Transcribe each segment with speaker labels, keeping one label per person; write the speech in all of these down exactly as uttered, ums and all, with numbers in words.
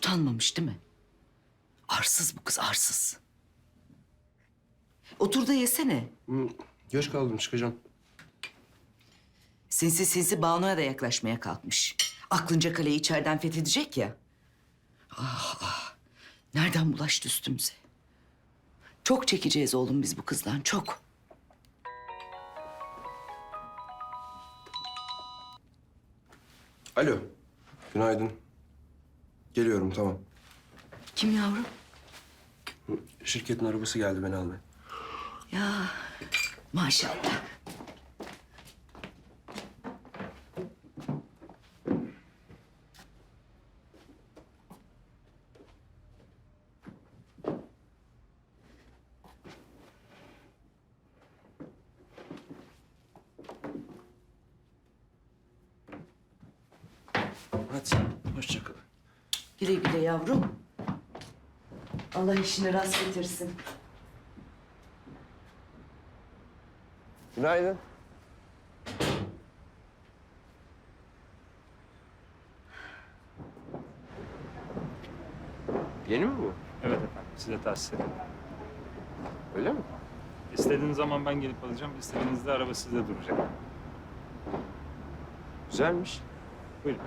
Speaker 1: Utanmamış değil mi? Arsız bu kız, arsız. Otur da yesene.
Speaker 2: Hı, geç kaldım, çıkacağım.
Speaker 1: Sinsi sinsi Banu'ya da yaklaşmaya kalkmış. Aklınca kaleyi içeriden fethedecek ya. Ah ah. Nereden bulaştı üstümüze? Çok çekeceğiz oğlum biz bu kızdan, çok.
Speaker 2: Alo, günaydın. Geliyorum, tamam.
Speaker 1: Kim yavrum?
Speaker 2: Hı, şirketin arabası geldi beni almaya.
Speaker 1: Ya maşallah.
Speaker 2: Hadi, hoşça kal.
Speaker 1: Güle güle yavrum. Allah işini rast getirsin.
Speaker 2: Günaydın. Yeni mi bu?
Speaker 3: Evet efendim, size tahsis ederim.
Speaker 2: Öyle mi?
Speaker 3: İstediğiniz zaman ben gelip alacağım, istediğinizde araba sizde duracak.
Speaker 2: Güzelmiş.
Speaker 3: Buyurun.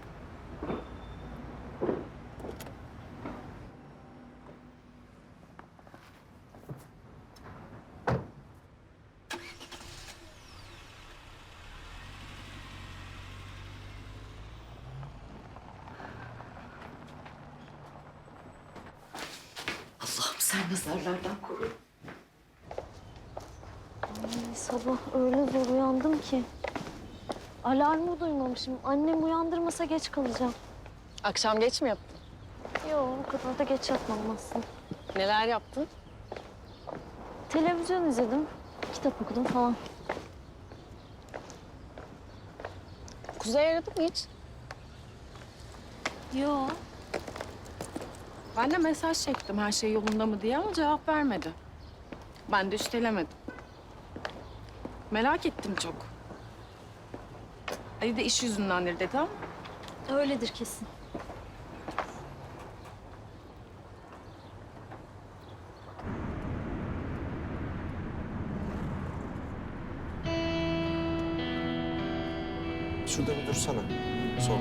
Speaker 1: Allah'ım sen nazarlardan koru.
Speaker 4: Ay, sabah öyle zor uyandım ki. Alarmı duymamışım. Annem uyandırmasa geç kalacağım.
Speaker 5: Akşam geç mi yaptın?
Speaker 4: Yok, o kadar da geç yatmadım aslında.
Speaker 5: Neler yaptın?
Speaker 4: Televizyon izledim, kitap okudum falan.
Speaker 5: Kuzey aradı mı hiç?
Speaker 4: Yok.
Speaker 5: Ben de mesaj çektim her şey yolunda mı diye ama cevap vermedi. Ben de üstelemedim. Merak ettim çok. Ali de iş yüzündendir dedi ama
Speaker 4: Öyledir kesin.
Speaker 2: Şurada bir dursana. Son.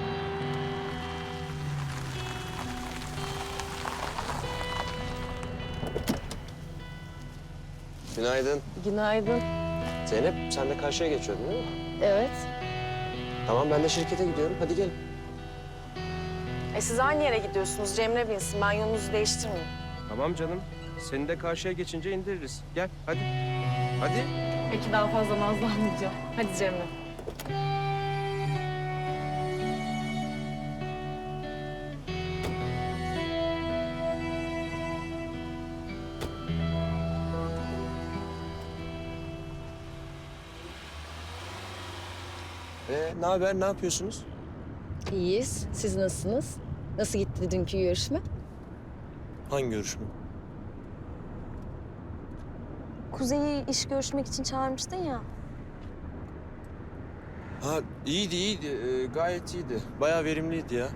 Speaker 2: Günaydın.
Speaker 5: günaydın.
Speaker 2: Zeynep, sen de karşıya geçiyordun değil mi?
Speaker 5: Evet.
Speaker 2: Tamam, ben de şirkete gidiyorum. Hadi gelin.
Speaker 5: E siz aynı yere gidiyorsunuz. Cemre binsin. Ben yolunuzu değiştirmeyeyim.
Speaker 2: Tamam canım. Seni de karşıya geçince indiririz. Gel, hadi. Hadi.
Speaker 5: Peki daha fazla nazlanmayacağım. Hadi Cemre.
Speaker 2: Ee, ne haber? Ne yapıyorsunuz?
Speaker 6: İyiyiz. Siz nasılsınız? Nasıl gitti dünkü görüşme?
Speaker 2: Hangi görüşme?
Speaker 4: Kuzey'i iş görüşmek için çağırmıştın ya.
Speaker 2: Ha, iyiydi, iyiydi. Ee, gayet iyiydi. Bayağı verimliydi ya.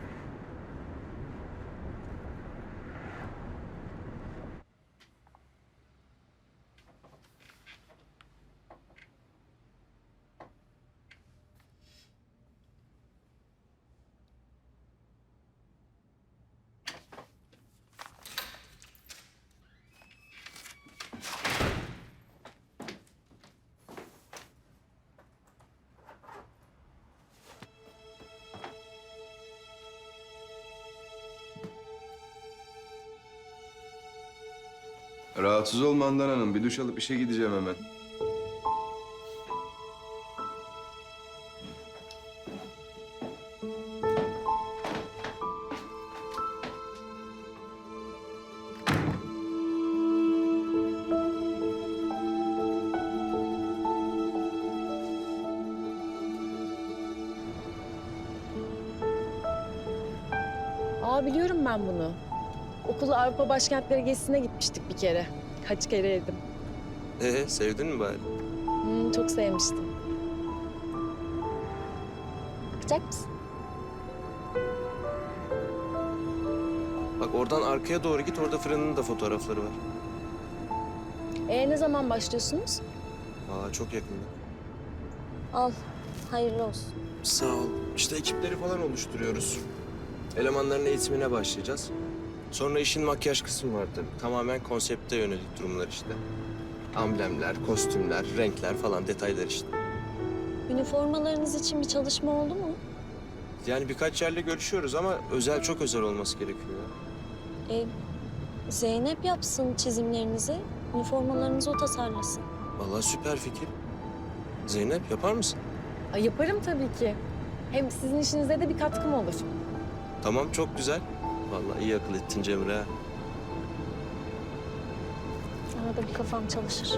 Speaker 7: Rahatsız olma Handan Hanım. Bir duş alıp işe gideceğim hemen.
Speaker 6: Aa biliyorum ben bunu. Okul Avrupa başkentleri gezisine gitmiştik bir kere. Kaç kere yedim.
Speaker 2: Ee, sevdin mi bari?
Speaker 6: Hmm, çok sevmiştim. Bakacak mısın?
Speaker 2: Bak oradan arkaya doğru git, orada fırının da fotoğrafları var.
Speaker 6: E ne zaman başlıyorsunuz?
Speaker 2: Aa çok yakında.
Speaker 4: Al. Hayırlı olsun.
Speaker 2: Sağ ol. İşte ekipleri falan oluşturuyoruz. Elemanların eğitimine başlayacağız. Sonra işin makyaj kısmı var tabii. Tamamen konsepte yönelik durumlar işte. Amblemler, kostümler, renkler falan detaylar işte.
Speaker 4: Üniformalarınız için bir çalışma oldu mu?
Speaker 2: Yani birkaç yerle görüşüyoruz ama özel, çok özel olması gerekiyor.
Speaker 4: E, Zeynep yapsın çizimlerinizi. Üniformalarınızı o tasarlasın.
Speaker 2: Vallahi süper fikir. Zeynep yapar mısın?
Speaker 6: Ay, yaparım tabii ki. Hem sizin işinize de bir katkım olur.
Speaker 2: Tamam, çok güzel. Vallahi iyi akıl ettin Cemre. ha.
Speaker 4: Arada bir kafam çalışır.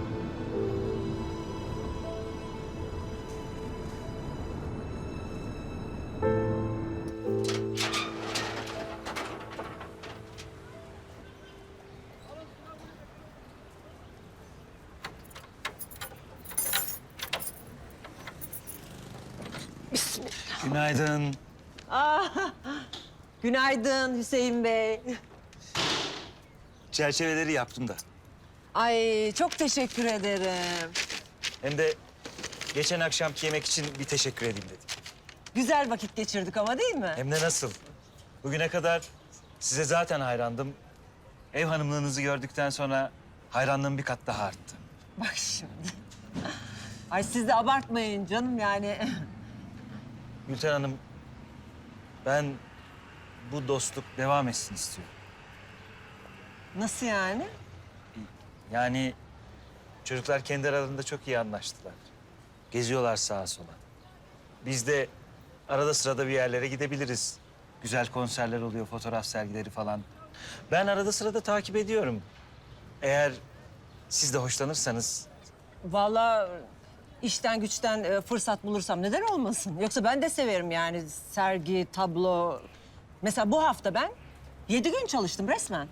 Speaker 8: Günaydın.
Speaker 9: Ah, günaydın Hüseyin Bey.
Speaker 8: Çerçeveleri yaptım da.
Speaker 9: Ay çok teşekkür ederim.
Speaker 8: Hem de geçen akşamki yemek için bir teşekkür edeyim dedim.
Speaker 9: Güzel vakit geçirdik ama değil mi?
Speaker 8: Hem de nasıl? Bugüne kadar size zaten hayrandım. Ev hanımlığınızı gördükten sonra hayranlığım bir kat daha arttı.
Speaker 9: Bak şimdi. Ay siz de abartmayın canım yani.
Speaker 8: Gülten Hanım, ben bu dostluk devam etsin istiyorum.
Speaker 9: Nasıl yani?
Speaker 8: Yani çocuklar kendi aralarında çok iyi anlaştılar. Geziyorlar sağa sola. Biz de arada sırada bir yerlere gidebiliriz. Güzel konserler oluyor, fotoğraf sergileri falan. Ben arada sırada takip ediyorum. Eğer siz de hoşlanırsanız
Speaker 9: Vallahi işten güçten e, fırsat bulursam neden olmasın? Yoksa ben de severim yani sergi, tablo. Mesela bu hafta ben yedi gün çalıştım resmen.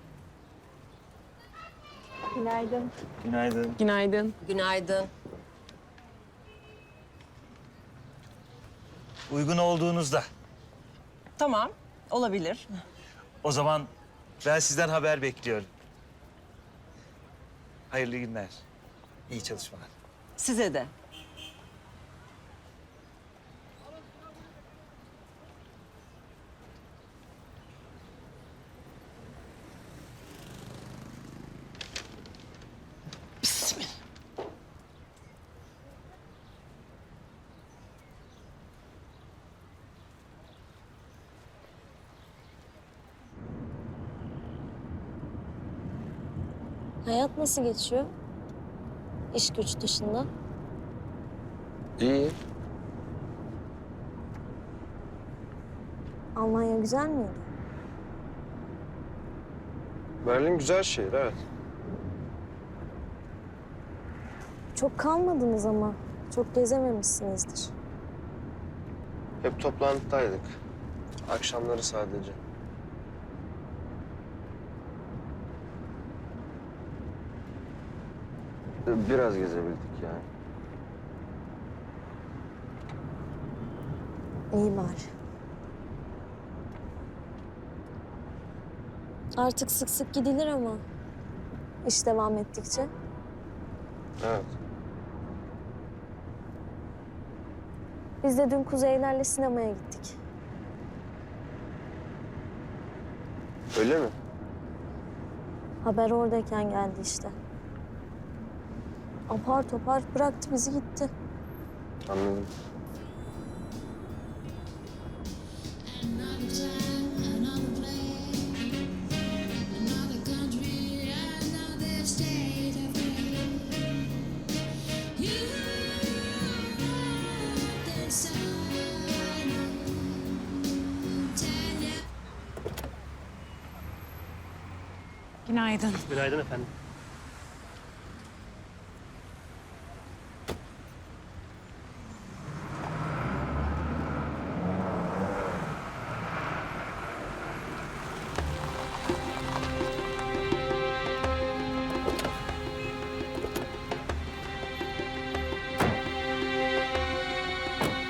Speaker 6: Günaydın.
Speaker 8: günaydın.
Speaker 6: Günaydın.
Speaker 9: Günaydın.
Speaker 8: Uygun olduğunuzda.
Speaker 9: Tamam, olabilir.
Speaker 8: O zaman ben sizden haber bekliyorum. Hayırlı günler. İyi çalışmalar.
Speaker 9: Size de.
Speaker 4: Hayat nasıl geçiyor? İş güç dışında.
Speaker 2: İyi.
Speaker 4: Almanya güzel miydi?
Speaker 2: Berlin güzel şehir, evet.
Speaker 4: Çok kalmadınız ama. Çok gezememişsinizdir.
Speaker 2: Hep toplantıdaydık. Akşamları sadece. Biraz gezebildik yani.
Speaker 4: İyi bari. Artık sık sık gidilir ama iş devam ettikçe.
Speaker 2: Evet.
Speaker 4: Biz de dün Kuzeylerle sinemaya gittik.
Speaker 2: Öyle mi?
Speaker 4: Haber oradayken geldi işte. Apar topar bıraktı bizi gitti.
Speaker 2: Anladım.
Speaker 5: Günaydın.
Speaker 10: Günaydın efendim.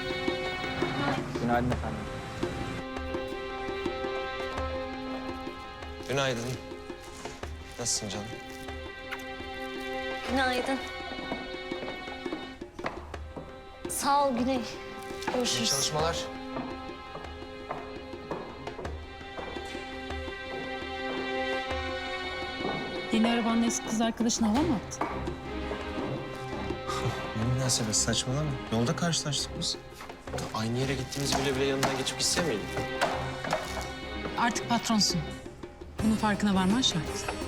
Speaker 3: Günaydın efendim.
Speaker 2: Günaydın. Nasılsın canım?
Speaker 4: Günaydın. Sağ ol Güney.
Speaker 2: İyi
Speaker 4: Görüşürüz.
Speaker 2: çalışmalar.
Speaker 5: Yeni arabanla eski kız arkadaşına hava mı attın?
Speaker 2: Ne münasebet, saçmalama. Yolda karşılaştık biz. Aynı yere gittiğimiz bile bile yanından geçip gitse miydin?
Speaker 5: Artık patronsun. Bunun farkına varman şart.